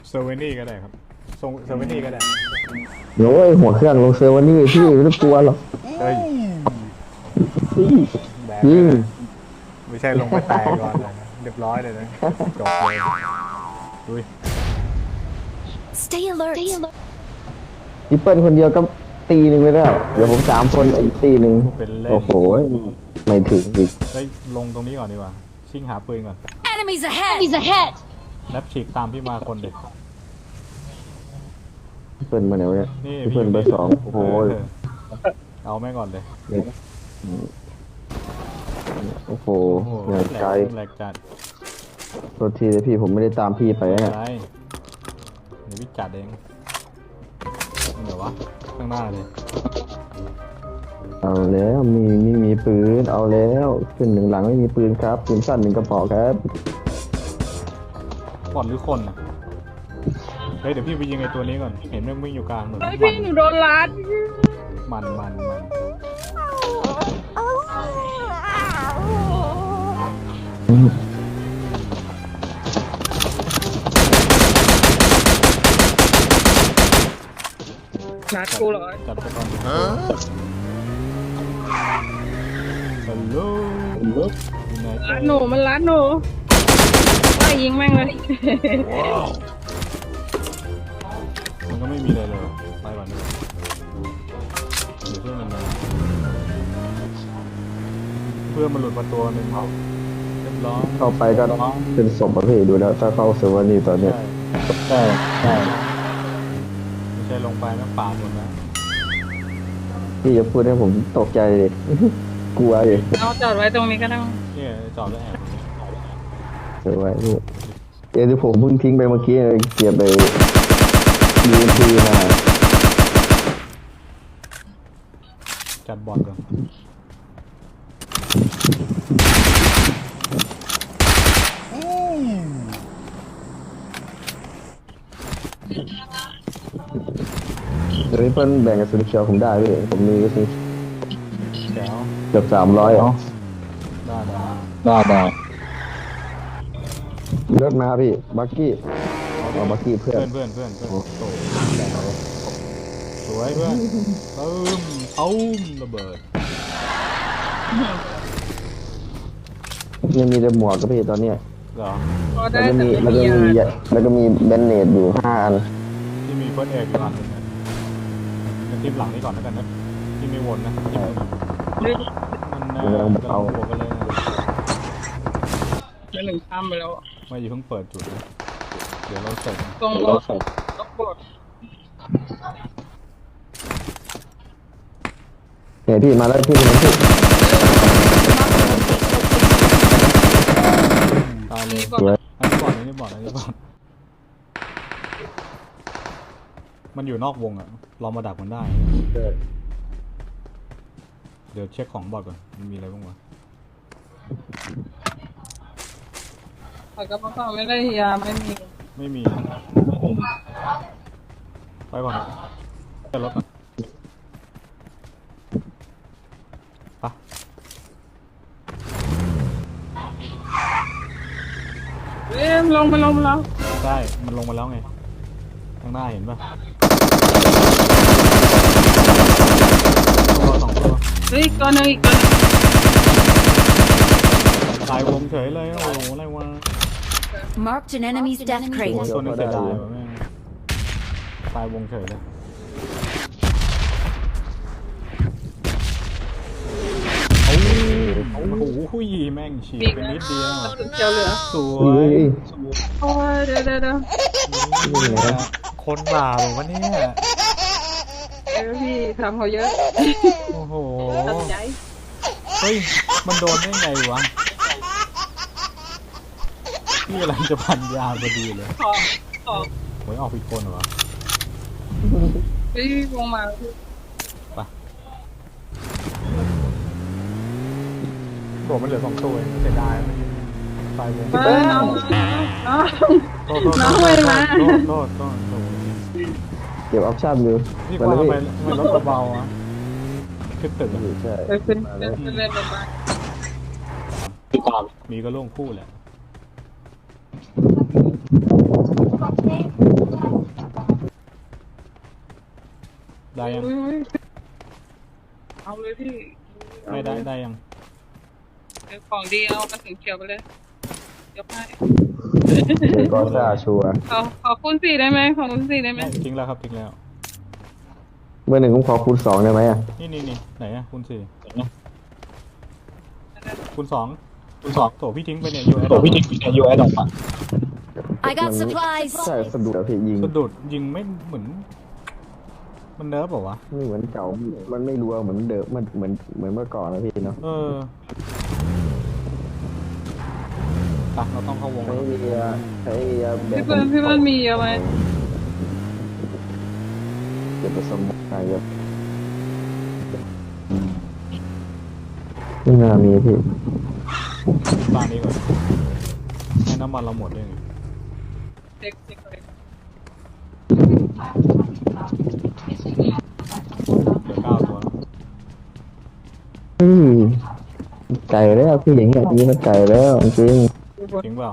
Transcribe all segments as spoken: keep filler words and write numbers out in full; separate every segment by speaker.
Speaker 1: เซอร์เวนี่ก็ได้ครับทรงเซอร์เวนี่ก็ได้
Speaker 2: โอ้ยหัวเครื่องลงเซอร์วันนี้พี่ไม่ต้องกลัวหรอก
Speaker 1: เฮ้ยแบกไม่ใช่ลงไปแตกก่อนเลยเรียบร้อยเลยนะจบเลยดู
Speaker 3: Stay alert.
Speaker 2: พี่เปิ้ลคนเดียวก็ตีหนึ่งไปแล้วเดี๋ยวผมสามคนอีกตีหนึ่งโอ้โหไม่ถึงอีก
Speaker 1: ได้ลงตรงนี้ก่อนดีกว่าชิงหาปืนก่อน
Speaker 3: Enemies ahead. Enemies ahead.
Speaker 1: แล้วฉีกตามพี่มาคนเด็ก
Speaker 2: พี่เปิ้ลมาไหนวะเนี่ย
Speaker 1: นี่
Speaker 2: พี่เปิ้ลเบอร์สองโอ้โห
Speaker 1: เอาแม่ก่อนเลย
Speaker 2: โอ้โหเหนื่อยใจ
Speaker 1: แหลกจัด
Speaker 2: โทษทีเลยพี่ผมไม่ได้ตามพี่ไปนะ
Speaker 1: เดี๋ยวพี่จัดเองเดี๋ยววะข้างหน้าเลย
Speaker 2: เอาแล้วมีมีมีปืนเอาแล้วขึ้นหนึ่งหลังไม่มีปืนครับปืนสั้นหนึ่งกระบอกครับ
Speaker 1: ก่อนหรือคนอ่ะเฮ้ยเดี๋ยวพี่ไปยิงไอ้ตัวนี้ก่อนเห็นมันวิ่งอยู่กลางเหมือน
Speaker 4: พี่หนูโดนลัด
Speaker 1: มันมันมัน
Speaker 4: นัดกูเหรอ
Speaker 1: จับไปก่อนฮัลโหล
Speaker 4: ลัดหนูมันลัดหนูว่ายิงแม่งเลย
Speaker 1: มันก็ไม่มีอะไรเลยไปก่อนเลยเดี๋ยวเพื่อนมันมาเพื่อนมันหลุดมาตัวหนึ่งเขาเรียบร้อย
Speaker 2: เข้าไปก็เป็นศพประเภทดูแล้วถ้าเข้าเซอร์เวอร์นี่ตอนนี้ใช่ใช่
Speaker 1: ไม่ใช่ลงไปแม่งป่าหมดนะ
Speaker 2: พี่จะพูดให้ผมตกใจเลยกลัวเลย
Speaker 4: เอาจอดไว้ตรงนี้ก็ได้
Speaker 1: เนี่ยจอดแล้วแอบ
Speaker 2: เก็บไว้นี่เดี๋ยวผมเพิ่งทิ้งไปเมื่อกี้เก็บไปยูนทีมา
Speaker 1: จัดบอลก่อน
Speaker 2: เดี๋ยวนี้เพิ่นแบ่งกับสุดเชียวผมได้พี่ผมมีก็คือ
Speaker 1: แก้ว
Speaker 2: เกือบสามร้อยอ๋อ
Speaker 1: ได้ได้
Speaker 2: ได้ได้รถมาพี่บักกี้เอาบักกี้เพื่อน
Speaker 1: เพื่อนเพื่อนเพื่อนโตสวยเพื่อนตึ้มตุ้มระเบิด
Speaker 2: ยังมีแต่หมวกกับพี่ตอนเนี้ย
Speaker 1: เหรอ
Speaker 2: แล้วก็มีแล้วก็มีแล้วก็มีแบนเนตอยู่ห้าอัน
Speaker 1: ที่มีเฟิร์สเอ็ดอยู่อันนึงนะทีมหลังนี้ก่อนแล้วกันนะที่ไม่วนนะมันนะเอาบวกกันเลย
Speaker 4: แล้วหนึ่งข้ามไปแล้ว
Speaker 1: ไม่อย่าเพิ่งเปิดจุดนะเดี๋ยวเราเสร็จ
Speaker 4: ตรงรถรถกด
Speaker 2: เนี่ยพี่มาแล้วพี่มาพี่
Speaker 1: ตายเลยอันนี้บอดอันนี้บอดอันนี้บอดมันอยู่นอกวงอ่ะเรามาดักมันได้เดี๋ยวเช็คของบอดก่อนมันมีอะไรบ้างวะ
Speaker 4: แต่ก็เพราะไม่ได้ยาไม่มี
Speaker 1: ไม่มีไปก่อนจะรถปะ
Speaker 4: เอ้ยลงไปลงมาแล้ว
Speaker 1: ใช่มันลงมาแล้วไงข้างหน้าเห็นปะตัวสองตัว
Speaker 4: เฮ้ยตัวนึงอีกตัว
Speaker 1: ตายวงเฉยเลยโอ้โหอะไรวะ
Speaker 3: Marked an enemy's death crate
Speaker 1: ตัวนึงเสียดายวะแม่ตายวงเฉยเลยโอ้โหแม่งฉีกไปนิดเดียว
Speaker 4: เจียวเหลือ
Speaker 1: สวย
Speaker 4: โอ้ยเดี๋ยวเดี๋ยวเดี๋ยว
Speaker 1: คนบาปวะเนี่ย
Speaker 4: เออพี่ทำเขาเยอะ
Speaker 1: โอ้โหเฮ้ยมันโดนได้ไงวะนี่กำลังจะพันยาพอดีเลย
Speaker 4: ขอขอ
Speaker 1: โอ้ยออกผิดคนเหรอ
Speaker 4: พี่วงมา
Speaker 1: ไปโดดมันเหลือสองตัวเสียดายตายวง
Speaker 4: น้องน้องน้องไปมา
Speaker 1: โทษโทษโทษ
Speaker 2: เก็บออปชั่นอยู่
Speaker 1: นี่ว่าทำไมมันรถเบาอ่ะขึ้นตึก
Speaker 2: ใช่
Speaker 4: ขึ้นขึ้นเล่นรถบ้าน
Speaker 1: มีก็โล่งคู่แหละได้ยัง
Speaker 4: อุ๊ยเอาเลยพี่
Speaker 1: ไม่ได้ได้ยัง
Speaker 4: เดี๋ยวของดีเอากระสุนเขียวไปเลยยกให้
Speaker 2: เดี๋ยวก็ซ่าชัวร์
Speaker 4: ขอขอคูณสี่ได้ไหมขอคูณสี่ได้ไหม
Speaker 1: ทิ้งแล้วครับทิ้งแล้ว
Speaker 2: เบอร์หนึ่งผมขอคูณสองได้ไหมอ่ะ
Speaker 1: นี่นี่นี่ไหนอะคูณสี่คูณสองคูณสองโถพี่ทิ้งไปเนี่ยยูไอ
Speaker 5: โอ้พี่ทิ้งเนี่ยยูไอดอกอ่ะ
Speaker 3: I got supplies.
Speaker 2: ใช่สะดุดอะพี่ยิง
Speaker 1: สะดุดยิงไม่เหมือน มันเนิร์ฟเปล่าวะ
Speaker 2: ไม่เหมือนเก่ามันไม่รัวเหมือนเดิมมันเหมือนเหมือนเมื่อก่อนนะพี่เนาะ
Speaker 1: เออตักเราต้องเข้าวง
Speaker 2: ใช้
Speaker 1: แล้ว
Speaker 2: เรียใช้เรียแบบ
Speaker 4: พี่เพื่อนพี่เพื่อนมีเยอะไหม
Speaker 2: เก็บผสมไปเยอะไม่น่ามีพี่
Speaker 1: บ้านนี้ก่อนให้น้ำมันเราหมดเลย
Speaker 4: เด็กเด็กเลย
Speaker 1: เหลือเก้าตัวแล้ว
Speaker 2: อืมไก่แล้วพี่อย่างเงี้ยนี่มันไก่แล้วจริง
Speaker 1: ทิ้งเปล่า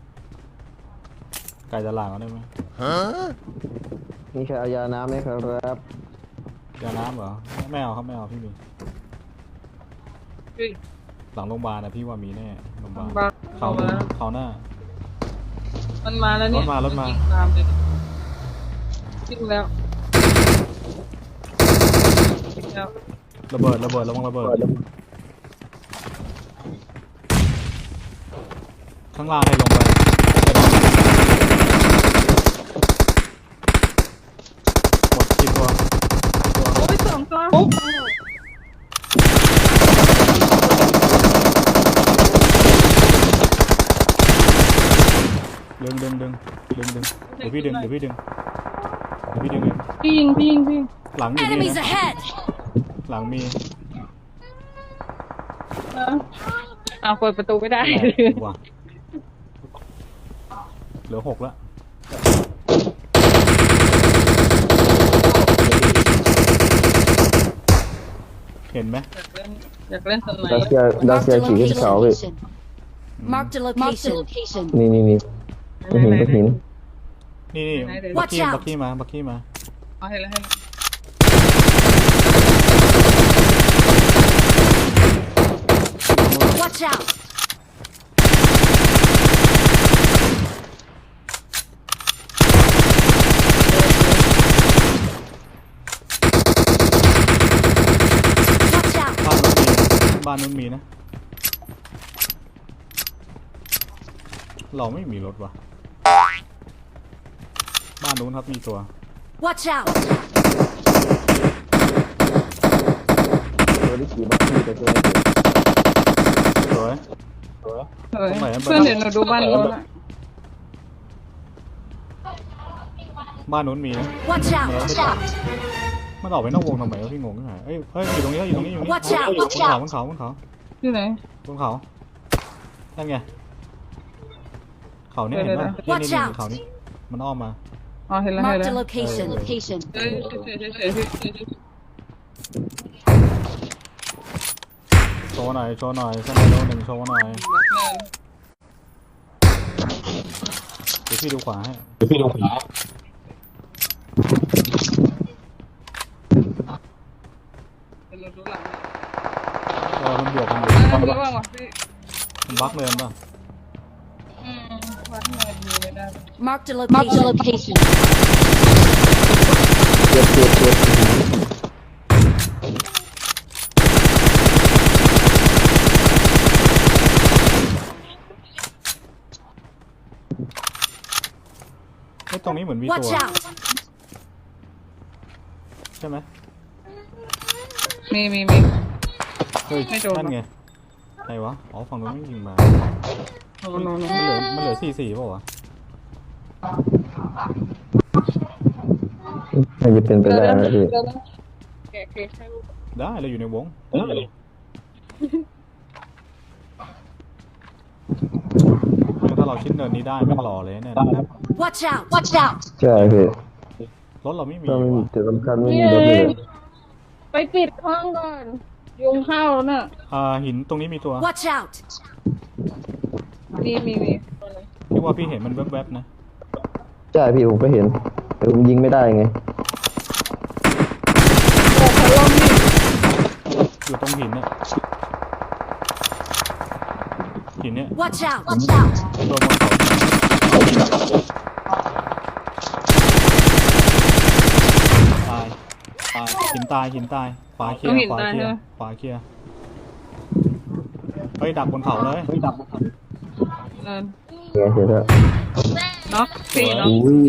Speaker 1: ไก่จะลางเอาได้ไหม
Speaker 2: มีใครเอายาน้ำไหมครับ
Speaker 1: ยาน้ำเหรอไม่เอาครับไม่เอาพี่มี
Speaker 4: พี่
Speaker 1: หลังโรงพยาบาลนะพี่ว่ามีแน่โรงพยาบาล
Speaker 4: บ้า
Speaker 1: เขา
Speaker 4: มาแล้ว
Speaker 1: เขาหน้า
Speaker 4: มันมาแล้วเนี่ย
Speaker 1: รถมารถมา
Speaker 4: นตามเลยทิ้งแล้วทิ้งแล้ว
Speaker 1: ระเบิดระเบิดระวังระเบิดข้างล่างให้ลงไปหมดกี่ตัว
Speaker 4: โอ้ยสองตัว
Speaker 1: ดึงดึงดึงดึงดึงเดี๋ยวพี่ดึงเดี๋ยวพี่ดึงเดี๋ยวพี่ดึงเอง
Speaker 4: พี่ยิงพี่ยิงพี่
Speaker 1: หลังมีนี่
Speaker 3: Enemies
Speaker 1: นะ
Speaker 3: ahead.
Speaker 1: หลังมี
Speaker 4: เอาเอาเปิดประตูไม่ได้
Speaker 1: ว่ะเหลือหกแล้วเห็นไหม
Speaker 4: อยากเล่นอยากเล่นสไน
Speaker 2: ดัส
Speaker 4: ป์
Speaker 2: เซียดัส
Speaker 3: Marked
Speaker 2: เซีย
Speaker 3: a
Speaker 2: ขี่ขึ้นเขาพี่
Speaker 3: location. Marked a location.
Speaker 2: นี่นี่นี่ก็หินก็หิน
Speaker 1: นี่นี่บักกี้บักกี้มาบักกี้มา
Speaker 4: เอาให้แล้วให้แล้ว
Speaker 3: Watch out.
Speaker 1: บ้านนู้นมีบ้านนู้นมีนะ เราไม่มีรถว่ะ บ้านนู้นครับมีตัว
Speaker 3: Watch out.
Speaker 2: ตัวที่ขี่บักกี้ไปเจอ
Speaker 1: สวย
Speaker 4: เฮ้ยเพื่อนเดี๋ยวหนูดูบ้านโน้นอะ
Speaker 1: บ้านนู้นมีนะ
Speaker 3: Watch out. Watch out.
Speaker 1: มันออกไปนอกวงทำไมวะพี่งงขึ้นมาเอ้ยเฮ้ยอยู่ตรงนี้อยู่ตรงนี้อยู่นี่
Speaker 3: Watch out,
Speaker 1: บน
Speaker 3: watch
Speaker 1: เขา
Speaker 3: out
Speaker 1: บนเขาบนเขา
Speaker 4: ที่ไหน
Speaker 1: บนเขานั่นไงเขาเนี่ย
Speaker 4: เดี๋
Speaker 1: เห็
Speaker 4: ย
Speaker 1: น
Speaker 4: ว
Speaker 1: ป่ะ
Speaker 3: ๆ
Speaker 1: นี่
Speaker 3: Watch
Speaker 1: นี่
Speaker 3: out
Speaker 1: เขานี่มันอ้อมมา
Speaker 4: อ๋อเห็นแล้วเห็น
Speaker 3: Marked
Speaker 4: แล้
Speaker 3: a
Speaker 4: ว
Speaker 3: location. Location.
Speaker 4: เฮ้ยเฉยเฉยเฉยเฉย
Speaker 1: โชว์หน่อยโชว์หน่อยสไนโดหนึ่งโชว์หน่อยเดี๋ยวพี่ดูขวาให้
Speaker 5: เดี๋ยวพี่ดูขวา
Speaker 4: เดี๋ยวเราดูหลัง
Speaker 1: เออมันบวกมันบวก
Speaker 4: อ่าระวังว่ะพี่
Speaker 1: มันบักเลยป่ะ
Speaker 4: อืมวัดเงินดูไม่ได้
Speaker 3: Marked a location.
Speaker 2: เจ็บเจ็บเจ็บ
Speaker 1: เฮ้ยตรงนี้เหมือนมี
Speaker 3: Watch
Speaker 1: ตัว
Speaker 3: out.
Speaker 1: ใช่ไหม
Speaker 4: มีมีมี
Speaker 1: เฮ้ย
Speaker 4: ไม่โดน
Speaker 1: นั่นไงไหนวะอ๋อฝั่งนู้นไม่ยิงมา
Speaker 4: โน่โน่โน่
Speaker 1: มันเหลือมันเหลือสี่สี่ป่าววะ
Speaker 2: น่าจะเป็นไปได้นะพี่
Speaker 4: แกะเค้กให้ลูก
Speaker 1: ได้เราอยู่ในวงถ้าเราชิ้นเนินนี้ได้ไม่รอเลยเนี่ย
Speaker 3: Watch out. Watch out.
Speaker 2: ใช่พี่
Speaker 1: รถเราไม่มี
Speaker 2: ก็ไม่มี
Speaker 1: ว่ะ
Speaker 2: แต่สำคัญไม่มีรถเลย
Speaker 4: ไปปิดห้องก่อน ยุงเข้าแล้วน่ะ
Speaker 1: อ่าหินตรงนี้มีตัว
Speaker 3: Watch out.
Speaker 4: มีมีมี
Speaker 1: ที่ว่าพี่เห็นมันแวบๆนะ
Speaker 2: ใช่พี่ผมก็เห็นแต่ผมยิงไม่ได้ไง
Speaker 4: โอ้เขาล้มนี่
Speaker 1: อยู่ตรงหินเนี่ยหินเนี่ย
Speaker 3: Watch out! Watch out!
Speaker 1: ตัวบนเขาตายตายหินตายหินตายขวาเคลียร์ขวาเคลียร์ขวาเคลียร์เฮ้ยดักบนเขาเลยเฮ้ยดักบนเขา
Speaker 4: เออ
Speaker 2: เห็นเห็นแล้ว
Speaker 4: น็อกสี่น็อก
Speaker 2: อุ้ย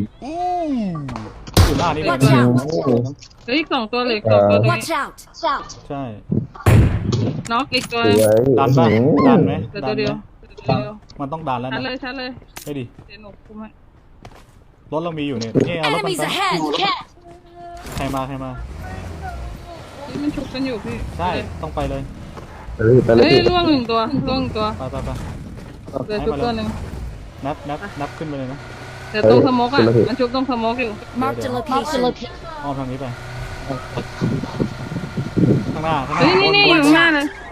Speaker 1: อยู่หน้านี่เลย
Speaker 3: Watch
Speaker 1: นะ
Speaker 3: out!
Speaker 4: เฮ้ยอีกสองตัวเหลยสองตัวตรงนี้
Speaker 3: Watch out! Watch out!
Speaker 1: ใช่
Speaker 4: น็อกอีกตัว
Speaker 2: สวย
Speaker 1: ดันป่ะดันไหม
Speaker 4: เหลือ
Speaker 1: ดั
Speaker 4: ตัวน เดี
Speaker 1: ไห
Speaker 4: ย
Speaker 1: ม
Speaker 4: วเหลือตัวเดียว
Speaker 1: มันต้องดันแล้ว
Speaker 4: ชัด
Speaker 1: นะ
Speaker 4: เลยชัดเลย
Speaker 1: ไม่ดิ
Speaker 4: เดี๋ยวหนูคุมให้
Speaker 1: รถเรามีอยู่เนี่ยนี่เอารถมัน
Speaker 3: Enemies
Speaker 1: ไป
Speaker 3: ahead!
Speaker 1: ใครมาใครมา
Speaker 4: นี่มันชุบกันอยู่พี่
Speaker 1: ใช่ต้องไปเลย
Speaker 2: ไปเลยไปเลย
Speaker 4: เฮ้ย
Speaker 2: พี่
Speaker 4: ล่วงหนึ่งตัวล่วงหนึ่งตัว
Speaker 1: ไปไปไป
Speaker 4: เหลือชุบตัวหนึ่ง
Speaker 1: นับนับนับขึ้นไปเลยนะ
Speaker 4: เดี๋ยวตรงสโมกอ่ะมันชุบตรงสโมกอยู่
Speaker 3: Marked a location.
Speaker 1: อ้อมทางนี้ไปข้างหน้าข้างหน้า
Speaker 4: เฮ้ยนี่นี่
Speaker 1: บ
Speaker 4: อยู่
Speaker 1: น
Speaker 4: ข้างหน้าเลย